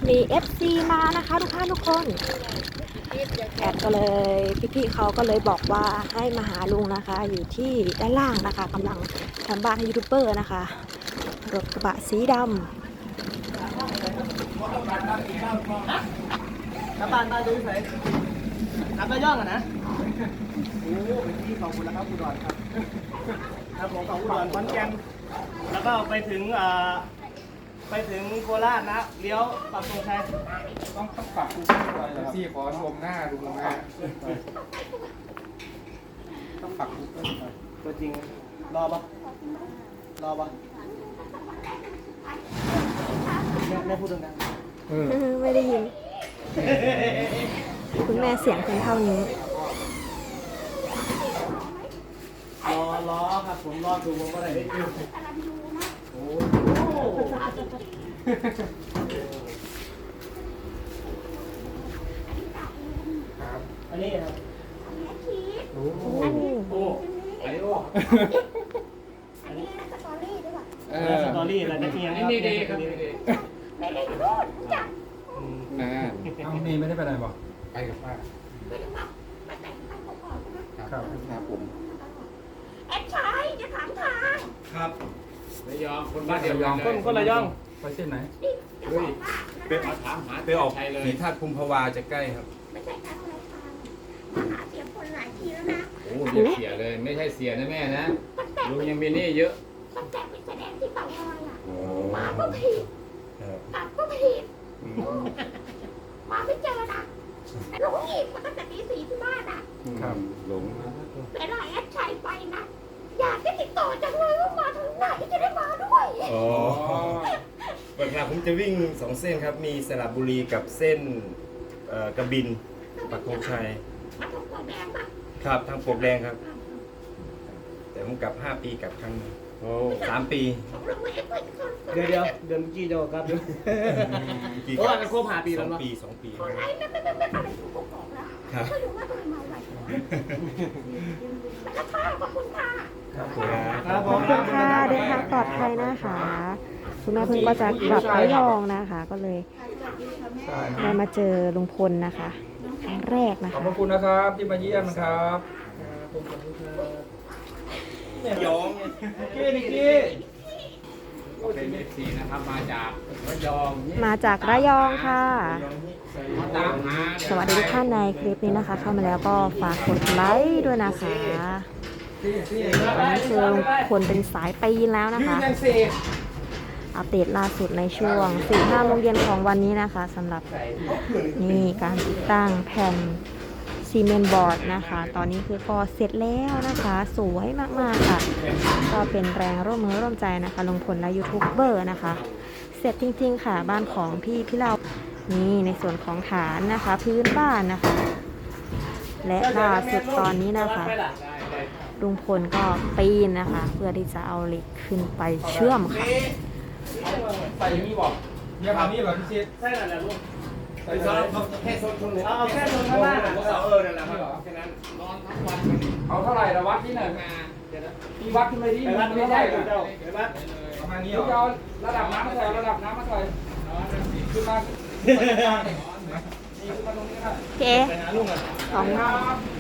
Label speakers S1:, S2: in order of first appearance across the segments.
S1: มี FC มานะคะทุกท่านทุกคนแอดก็เลยพี่ๆเขาก็เลยบอกว่าให้มาหาลุงนะคะ อยู่ที่ด้านล่างนะคะกำลังทำบ้านให้ยูทูบเบอร์นะคะรถกระบะสีดำ
S2: น้ำตาลตาดูใส่น้ำตาย่องอะนะโอ้เป็นที่ของคุณแล้วครับอุดรครับครับผมของอุดรขอนแก่นแล้วก็ไปถึงโคราชนะเลี้ยวปักธงชัย
S3: ต้องปรับปรุงด้วยเหรอพี่ขอชมหน้าดูนะต้องปรับปรุงด้วย
S2: ตัวจริงรอปะแม่พูดดัง
S1: ไม่ได้ยินคุณแม่เสียงเพียงเท่านี้
S2: รอครับผมรอดูผมก็ได้โอ้อันนี้ครับโอ้อันนี้สตอรี่อะไรจะเพียงนี่ดีครับ
S3: ไม่ได้รู้จักเอาเมย์ไม่ได้ไปไหนบอกไปกับป้าครับผม
S4: แอดชัยจะถามทาง
S2: ครับ
S5: ระยองคนบ้านเดียวกันเลย
S2: คนระยอง
S3: ไปเส้นไหน
S5: เฮ้ยเป็นถามหาไปออกเลย
S6: สีธาตุภูมิภาวาจะใกล้ครับ
S4: ไม่ใช่การอะไรทางมาหาเสียงคนหลายทีแล้วนะ
S5: โอ้อย่าเสียเลยไม่ใช่เสียนะแม่นะลุงยังมีหนี้เยอะ
S4: ตั้งแต่ไปแสดงที่เต่างอยอ่ะ
S6: โอ้
S4: มาก็ผิดกลับก็ผิดมาไม่เจอนะหลงอีกมาตั้งแต่ตี 4ที่บ้านอ่ะ
S3: ครับ
S6: หลง
S4: เวลาแอดชัยไปนะอยากจะติดต่อจังเลยว่ามาทางไหนจะได้มาด้วย
S6: อ๋อวันหลังผมจะวิ่ง2เส้นครับ มีสระบุรีกับเส้นกระบินปักธงชัย
S4: มาตรงปลวกแดงปะ
S6: ครับทางปลวกแดงครับ แต่ผมกลับ5 ปีกลับครั้งหนึงโอ้3 ปี
S4: ผมลงมาเอ็ดไปคน
S2: เดือนเมื่อกี้เดียวครับโอ้ยมันครบ5 ปีแล้วเนาะ
S6: 2 ปี
S4: คนไหนไม่อะไรถูกบอกแล้ว
S6: ครับ
S4: ไม่รู้ว่าทำไมไหวแล้วค่ะขอบคุณค่ะ
S6: ครับผม
S2: ครับผ
S1: ขอ
S2: ม
S1: บคุณค่ะเดินทางปลอดภัยนะคะคุณแม่เพิ่งก็จะกลับระยองนะคะ ก็เลยได้มาเจอลุงพลนะคะครั้งแรกนะ
S3: ขอบ
S1: คะ
S3: พระคุณนะครับที่มาเยี่ยมนะครับ
S6: ย้อง
S2: นิกกี้
S5: เป็นFC นะครับมาจากระยอง
S1: มาจากระยองค่ะ
S5: มาตามหา
S1: สวัสดีทุกท่านในคลิปนี้นะคะ เข้ามาแล้วก็ฝากกดไลค์ด้วยนะคะตอนนี้คือลุงพลเป็นสายปีนแล้วนะคะ อัปเดตล่าสุดในช่วง 4-5 โมงเย็นของวันนี้นะคะสำหรับนี่การติดตั้งแผ่นซีเมนต์บอร์ดนะคะ ตอนนี้คือก็เสร็จแล้วนะคะ สวยมากๆค่ะ ก็เป็นแรงร่วมมือร่วมใจนะคะลุงพลและยูทูบเบอร์นะคะ เสร็จจริงๆค่ะบ้านของพี่เรานี่ในส่วนของฐานนะคะ พื้นบ้านนะคะ และล่าสุดตอนนี้นะคะลุงพลก็ปีนนะคะ เพื่อที่จะเอาเหล็กขึ้นไปเชื่อมค่ะ
S3: ใส่อย่างนี้บอกเยี่ยมแบบนี้เหรอพี่ชิด
S2: ใช่แล้วลูก
S3: ใส่เลย
S5: แค่โซนคนเลย
S2: เอาแค่ตรงข้างล่าง
S5: นั่นแหละครับแค่นั้นนอนทั้งวัน
S3: เอาเท่าไหร่ละวัดที่ไหน
S5: มาเดี๋ยวนะ
S3: พี่วัดขึ้นไปที่
S2: ไปวัด
S3: ไม่
S2: ไม่
S3: ใช่
S2: ได้
S3: เหรอ
S2: เจ้าไปวัด
S3: ประมาณนี้เหรอระดับน้ำมาใส่ระดับน้ำมาใส่ขึ้นมานี่ขึ้นมาตรงนี้ครับ
S1: เจ๊
S2: ไปหาลุงอ่ะ
S1: สองรอบ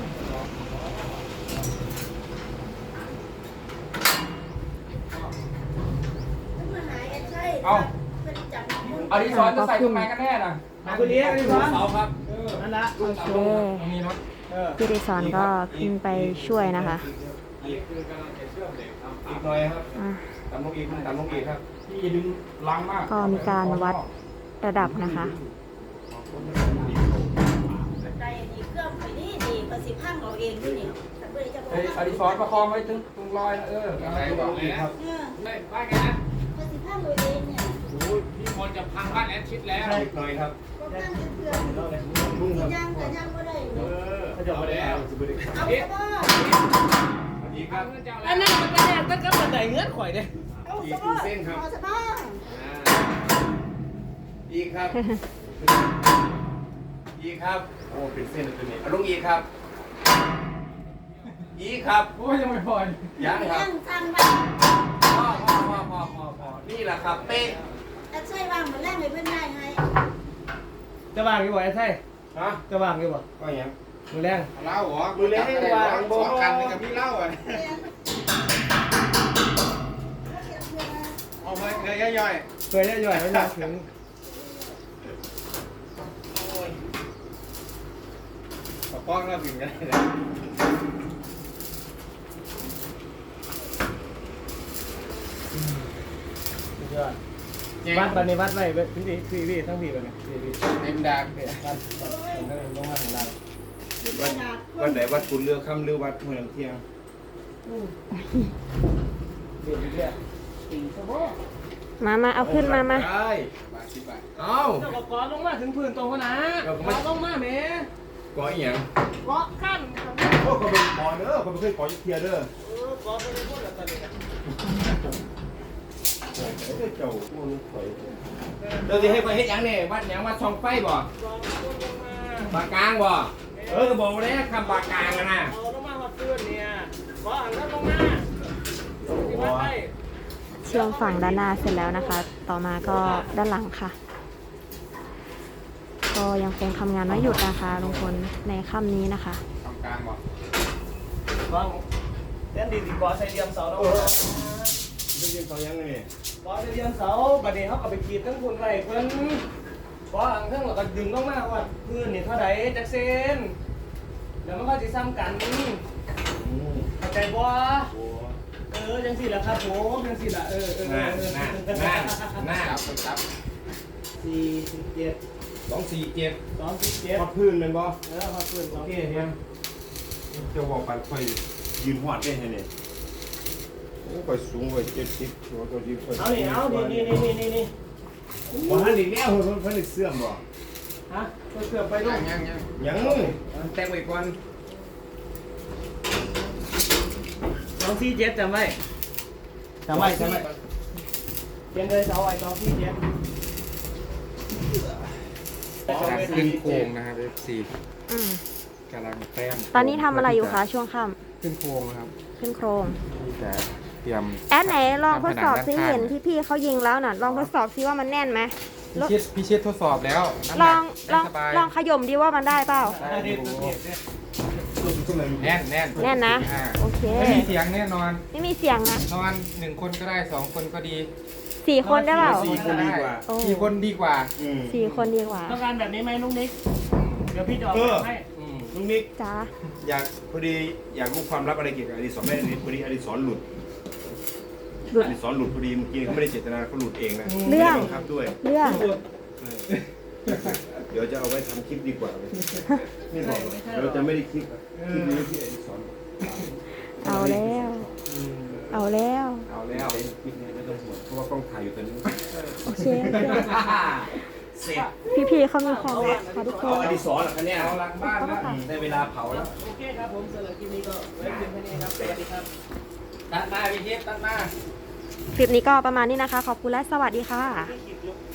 S3: เอาดิสอนจะใส่ตรงไหนกันแน่น่ะ
S2: มาคุณเลี้ยงนี่ครับ
S5: เสาครับ
S2: นั่นละ
S1: โอเค
S3: มีน็อต
S1: พี่ดิซอนก็ขึ้นไปช่วยนะคะ
S5: คือกำลังจะเชื่อมเหล็กทำ
S6: อีกหน่อยครับ
S1: อ่ะ
S6: ตามลงอีกตามลงอีกครับ
S3: พี่อย่าดึงลังมาก
S1: ก็มีการวัดระดับนะคะ
S4: ใจดีเครื่องไปนี่ดีประสิทธิ์พังเราเองด้วยนี่แต่เพื่อจะบอก
S3: เฮ้ยอดิสรประคองไว้ตรงรอยนะ
S5: อะไรบอกเลยนะไม่ว่าไงนะ
S4: ประสิทธิ์พังเราเองเนี่ย
S5: โอ้ยพี่มนจะพังบ้านแอดชิดแล้ว
S6: อีกหน่อยครับ
S4: ก็ตั้งเครื่องย่างแต่ย่างก็ได้
S5: เขาจะมาแล้ว
S4: เอาซะบ่
S5: อีกครับ
S2: อันนั้นมันก็แน่ตั้งแต่บันไดเงื่อนข่อยเนี่ย
S4: เอาซะบ่เอาซะบ่
S6: อีกครับ อีกครับ โอ้เป็นเส้นตัวนี้เอาลงอีกครับ อีกครับ
S3: โอ้ยยังไม่พอ
S6: ยังครับ
S4: ย่างสั่งไว้
S6: พอนี่แหละครับ เป๊ะ
S4: แต่ใช่ว่างมาแรกเลยเพิ่นได้ให้
S2: จะว่างอยู่บ่ไอ้ไส้
S6: ฮะ
S2: จะว่างอยู่บ่
S6: ก็อย่าง
S2: มือแรง
S5: เหล้าเหรอ
S6: มือเล่นให้วาง
S5: สองกันกับพี่เหล้าอ่ะเอาเคยย่อย
S2: เคยได้ย่อยไม่ได้ถึง
S5: ปะป้องเราถึงกันเลย
S2: ยอดวัดบันนี้วัดไว้พี่ทั้งพี่เลยพี่
S5: เต็มดัก
S2: วัดลงมาของเรา
S6: วันไหนวัดคุณเลือกค่ำหรือวัดเมืองเที่ยง
S2: เรียนเรื่อย
S1: มาเอาขึ้นมา
S6: ได้
S5: บาท10 บาท
S6: เอ้า
S2: เจ้าก็กอดลงมาถึงพื้นตรงนะกอดลงมาแม่
S6: ก่ออีหยัง
S2: กอดขั้น
S6: โอ้เขาเป็นก่อเด้อเขาไม่เคยก่อยุทธเทียเด้อก
S2: อดไปเลยพูดแบบตอนนี้
S6: เจ้าพวกนี้ถอยเราจะให้ไปเฮ็ดหยังเนี่ยวัดหยังวัดช่องไฟบ่
S2: กอดลงมา
S6: ปากกลางบ่ก็บอกเลยคำปากกลางนะ
S2: เอาลงมาหัดพื้นเนี่ยกอดหันลงมาที่วัดไป
S1: เชื่อมฝั่งด้านหน้าเสร็จแล้วนะคะ ต่อมาก็ด้านหลังค่ะ ก็ยังคงทำงานไม่หยุดนะคะลุงพลในค่ำนี้นะคะ
S5: ทำกลางบ่
S2: กอดเต้นดีกอดใส่เดียมเสาแล้ว
S6: ได้ยินเขายังไง
S2: กอดใส่เดียมเสาบัดนี้เขาก็ไปกรีดทั้งคนไรเพิ่นกอดหันทั้งแล้วก็ดึงลงมาว่าพื้นนี่เท่าไหร่จักเซนแล้วมันก็สิซ้ำกันเข้าใจบ่จังสิล่ะครับผมจังสิล่ะ
S6: หน้า
S5: จับ
S2: 47
S6: 247
S2: 27
S6: วัดพื้นเป็นบ่
S2: หัดพื้น
S6: โอเคเฮียจะบอกปันไฟยืนหอดได้ไงเนี่ยโอ้ไปสูงไป70ตัวตัวยืน
S2: เอานี่นี่
S6: บ่ทันอีกแล้วเพิ่นเสื่อมบ่
S2: ฮะเกือบไปลูก
S5: ยัง
S6: ยังแต่งไว้ก่อน
S2: 247จำไว้จำไว้เขียนเลยเอาไว้247
S5: ขึ้นโค้งนะครับ F4
S1: อืม
S5: กำลังแต้ม
S1: ตอนนี้ทำอะไรอยู่คะช่วงค่
S5: ขึ้นโค้งนะครับ
S1: ำขึ้นโครง
S5: ที่จะเตรียม
S1: แอดไหนลองทดสอบซิ
S5: ทำผนังด้านข้าง
S1: เห็นที่พี่เขายิงแล้วน่ะลองทดสอบซิว่ามันแน่นไหม
S5: พี่เชิดทดสอบแล้วน้ำห
S1: ล
S5: นั
S1: อก ง
S5: ได้สบาย
S1: ลองขย่มดีว่ามันได้เปล่า
S5: ได้อยู่แน่น
S1: แน่นนะ
S5: อ่า
S1: โอเค
S5: ไม่มีเสียงแน่นอน
S1: ไม่มีเสียงนะ
S5: นอน1 คนก็ได้2 คนก็ดี
S1: 4 คนได้เปล่า
S6: 4 คนดีกว่า
S1: โอ้
S5: 4 คนดีกว่า
S1: 4 คนดีกว่า
S2: ต้องการแบบนี้ไหมลุงนิก เดี๋ยวพี่จะออกแบบให้
S6: ลุงนิก
S1: จ้า
S6: พอดีอยากรู้ความลับอะไรเกี่ยวกับอดิศรแม่พอดีอดิศรหลุด
S1: หลุด
S6: อดิศรหลุดพอดีเมื่อกี้เขาไม่ได้เจตนาเขาหลุดเองนะ
S1: เรื่อง
S6: ไม่ได้บังคับด้วย
S1: เรื่อง
S6: เดี๋ยวจะเอาไว้ทำคลิปดีกว่าไม่บอกเราจะไม่ได้คลิปนี้ที่อดิศร
S1: เอาแล้ว เอาแล้ว
S5: เอาแล้ว
S6: คลิปนี้ไม่ต้องห่วงเพราะว่ากล้องถ่ายอยู่ตอนนี้
S1: โอเค
S6: เสร็จ
S1: พี่ๆเขามีความรักค่ะทุกค
S6: เอา
S1: น
S6: อดิศรเหรอคะเนี่ย
S5: เอาหลังบ้านแล้ว
S6: ได้เวลาเผาแล้ว
S2: โอเคครับผมสำหรับคลิปนี้ก็ไว้เพียงแค่นี้ครับ สวัสดีครับ
S5: ตัดมาพี่เชิดตัดมา
S1: คลิปนี้ก็ประมาณนี้นะคะ ขอบคุณและสวัสดีค่ะ
S2: ที่คลิปยก